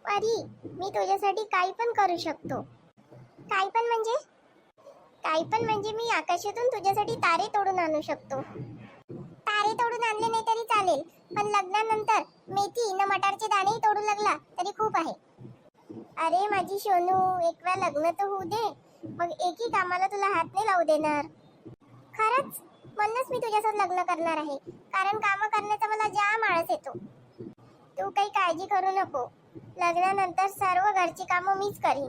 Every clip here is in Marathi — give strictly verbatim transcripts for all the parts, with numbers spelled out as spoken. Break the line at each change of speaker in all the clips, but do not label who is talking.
परी, मी तुझ्यासाठी काही पण करू शकतो. काही पण म्हणजे काही पण म्हणजे मी आकाशातून तुझ्यासाठी तारे तोडून आणू शकतो. तारे तोडून आणले नाही तरी चालेल, पण लग्नानंतर मेथी न मटारचे दाणेही तोडू लागला तरी खूप आहे. अरे माझी सोनू, एक वेळा लग्न तर होऊ दे, मग एकही कामाला तुला हात नाही लावू देणार. खरंच, म्हणूनच मी तुझ्यासोबत लग्न करणार आहे, कारण काम करण्याचा मला जाम आळस येतो. तू काही काळजी करू नको, लग्नानंतर सर्व घरची कामं मीच करीन.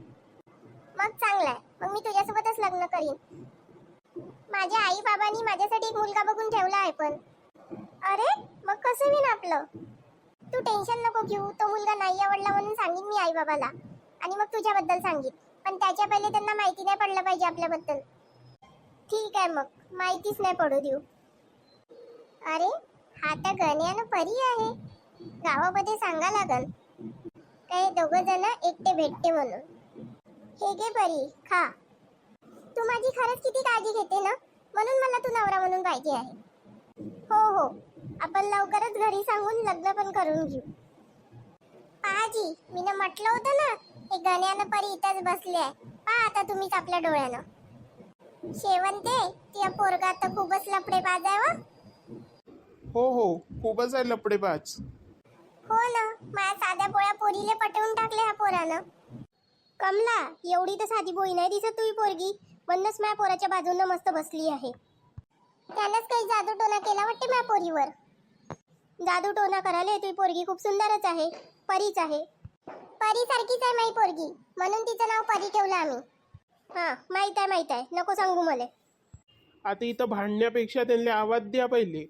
मग चांगलं आहे, मग मी तुझ्यासोबतच लग्न करीन. माझ्या आई बाबांनी माझ्यासाठी एक मुलगा बघून ठेवला आहे. पण अरे मग कसं होईन आपलं? तू टेन्शन नको घेऊ, तो मुलगा नाही आवडला म्हणून सांगीन मी आई बाबाला, आणि मग तुझ्याबद्दल सांगीन. पण त्याच्या पहिले त्यांना माहिती नाही पडलं पाहिजे आपल्याबद्दल. ठीक आहे, मग माहितीच नाही पडू देऊ. अरे हा तर गण्यानं परी आहे, गावामध्ये सांगा लागल काय दोघं जण एकटे भेटते म्हणून. हे घे परी, खा. तू माझी खरंच किती काळजी घेते ना, म्हणून मला तू नवरा म्हणून पाहिजे आहे. हो हो, आपण लवकरच घरी सांगून लग्न पण करून घेऊ. पाहाजी, मी ना म्हटलं होतं ना, हे गण्यानं परी इथंच बसले आहे. पहा आता तुम्हीच आपल्या डोळ्यानं. शेवंते, त्या पोरगा तर खूपच लफडेबाज आहे वा.
हो हो, खूपच आहे लपडेबाज.
हो ना, माझ्या साध्या पोळ्या पोरीले पटवून टाकले ह्या पोरानं. कमला, एवढी तर साधी बोई नाही दिसत तुझी पोरगी, म्हणूनच माझ्या पोराच्या बाजूनं मस्त बसली आहे. त्यानंच काही जादू टोना केला वाटते माझ्या पोरीवर. जादू टोना करायला तुझी पोरगी खूप सुंदरच आहे, परीच आहे. परी सारखीच आहे माझी पोरगी, म्हणून तिचं नाव परी ठेवलं आम्ही. हा माहित आहे माहित आहे, नको सांगू मला.
आता इथं भांडण्यापेक्षा त्यांना आवाज द्या पहिले.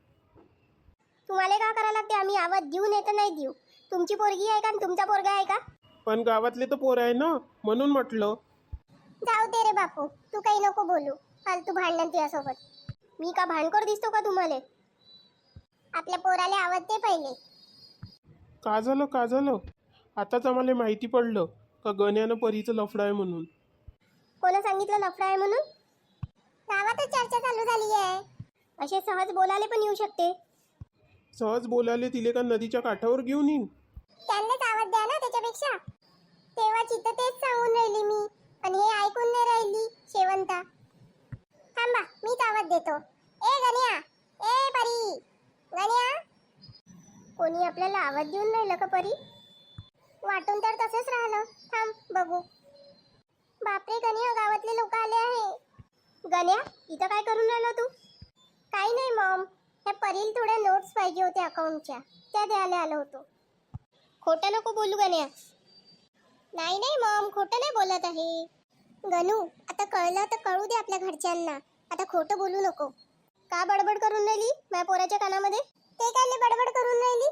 तुम्हाला काय करायला लागते? आम्ही आवाज देऊ नाही तर नाही देऊ. तुमची पोरगी आहे का आणि तुमचा पोरगा आहे का?
पण गावातले तर पोर आहे ना, म्हणून म्हटलं.
जाऊ दे रे बापू, तू काही नको बोलू फालतू भांडण तुझ्यासोबत. मी का भांडखोर दिसतो का तुम्हाला? आपल्या पोराला आवाज दे पहिले.
का झालं का झालं? आताच आम्हाला माहिती पडलं का गण्यानं परीचं लफडं आहे म्हणून.
कोणा सांगितलं लफडा आहे म्हणून? गावातच चर्चा चालू झाली आहे. असे सहज बोलायला पण येऊ शकते.
सहज बोलायला तिले का नदीच्या काठावर घेऊन येईन?
त्यांनाच आवाज द्या ना त्याच्यापेक्षा. तेव्हा चित्त तेच सांगून राहिली मी, आणि हे ऐकून नाही राहिली शेवंता. थांबा, मीच आवाज देतो. ए गण्या, ए परी, गण्या. कोणी आपल्याला आवाज देऊन राहिलं का परी? वाटून तर तसंच राहिलं. थांब बघू. बापरे गण्या, गावातले लोक आले आहे. गण्या, इथं काय करून राहिला तू? काही नाही मॉम, ह्या परीला थोड्या नोट्स पाहिजे होत्या अकाउंटच्या, त्या द्यायला आलो होतो. खोटं नको बोलू गण्या. नाही नाही मॉम, खोटं नाही बोलत आहे. गणू, आता कळलं तर कळू दे आपल्या घरच्यांना, आता खोटं बोलू नको. का बडबड करून राहिली माझ्या पोराच्या कानामध्ये? ते काय बडबड करून राहिली?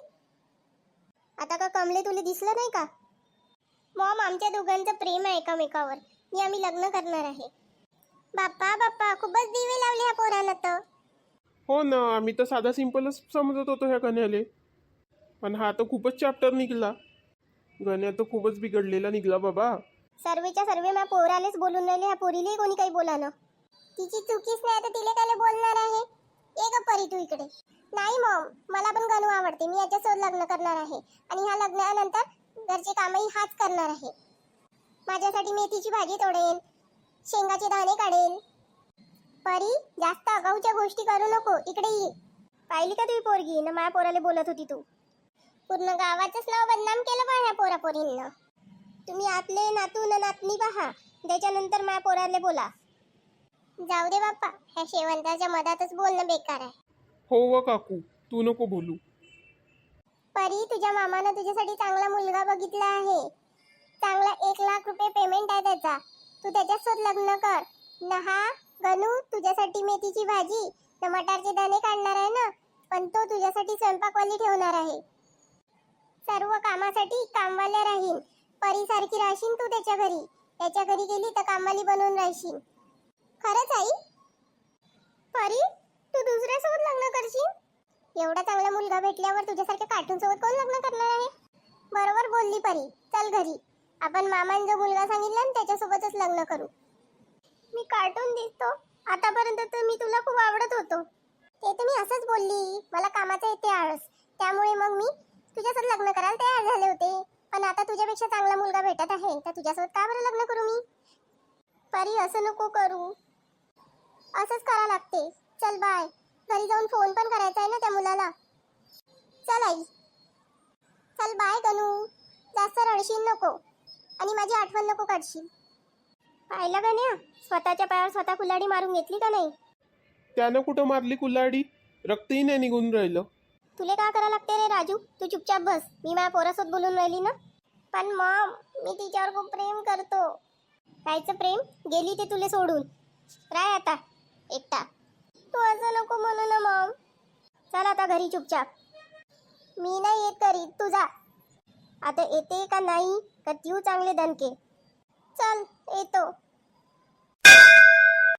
आता का कमले तुला दिसलं नाही का? मॉम, आमच्या दोघांचं प्रेम आहे एकामेकावर, मी आम्ही लग्न करणार आहे. बाप्पा बाप्पा, खूपच दिवे लावले ह्या पोरानं तर.
हो ना, आम्ही तर साधा सिंपलच समजत होतो ह्या गण्याले, पण हा तर खूपच चॅप्टर निघला. गण्या तर खूपच बिघडलेला निघला बाबा.
सर्वेच्या सर्वे माझ्या पोरालेच बोलून राहिले, ह्या पोरीलाही कोणी काही बोला ना. तिची चुकीच नाही तर तिला काय बोलणार आहे? ये ग परी तू इकडे. नाही मॉम, मला पण गणू आवडते, मी याच्यासोबत लग्न करणार आहे, आणि ह्या लग्नानंतर घरचे कामही हाच करणार आहे. माझ्यासाठी मेथीची भाजी तोडेल, शेंगाचे दाणे काढेल. परी, जास्त अगाऊच्या गोष्टी करू नको, इकडे ये. पाहिली का तुझी पोरगी ना, माझ्या पोराला बोलत होती तू. पूर्ण गावाचंच नाव बदनाम केलं पहा ह्या पोरापोरींना. तुम्ही आपले नातू न नातनी पहा, त्याच्यानंतर माझ्या पोराला बोला. जाऊ दे बाप्पा, ह्या शेवंताच्या मधातच बोलणं बेकार आहे.
हो व काकू, तू नको बोलू.
परी, तुझ्या मामानं तुझ्यासाठी चांगला मुलगा बघितला आहे. चांगला एक लाख रुपये पेमेंट आहे त्याचा. तू त्याच्यासोबत लग्न कर ना. हा गणू तुझ्यासाठी मेथीची भाजी न मटारचे दाणे काढणार आहे ना, पण तो तुझ्यासाठी स्वयंपाकवाली ठेवणार आहे. सर्व कामासाठी कामवाल्या राहील. परी सारखी राहशील तू त्याच्या घरी. त्याच्या घरी गेली तर कामवाली बनून राहशील. खरंच आई? परी, तू दुसऱ्यासोबत लग्न करशील? एवढा चांगला मुलगा भेटल्यावर तुझ्यासारख्या कार्टून सोबत कोण लग्न करणार आहे? बरोबर बोलली परी. चल घरी, आपण मामाने जो मुलगा सांगितला ना त्याच्यासोबतच लग्न करू. मी कार्टून दिसतो? आतापर्यंत तर मी तुला खूप आवडत होतो. ते तर मी असंच बोलली, मला कामाचा येते आळस, त्यामुळे मग मी तुझ्यासोबत लग्न करायला तयार झाले होते. पण आता तुझ्यापेक्षा चांगला मुलगा भेटत आहे तर तुझ्यासोबत का बरं लग्न करू मी? परी असं नको करू. असंच करा लागते. चल बाय. घरी जाऊन फोन पण करायचा आहे ना त्या मुलाला. चल आई. चल बाय गणू. जास्त रडशील नको आणि माझी आठवण नको काढशील. पाहिलं गण्या, स्वतःच्या पायावर स्वतः कुल्हाडी मारून घेतली का नाही?
त्यानं कुठं मारली कुल्हाडी? रक्तही नाही निघून राहिलं.
तुले का करा लागते रे राजू? तू चुपचाप बस. मी माझ्या पोरासोबत बोलून राहिली ना. पण मॉम, मी तिच्यावर खूप प्रेम करतो. कायचं प्रेम? गेली ते तुले सोडून. राय आता एकटा. तू असं नको म्हणू ना मॉम. चल आता घरी चुपचाप. मी नाही येत घरी, तू जा. आता येते का नाही का देऊ चांगले दणके? चल येतो.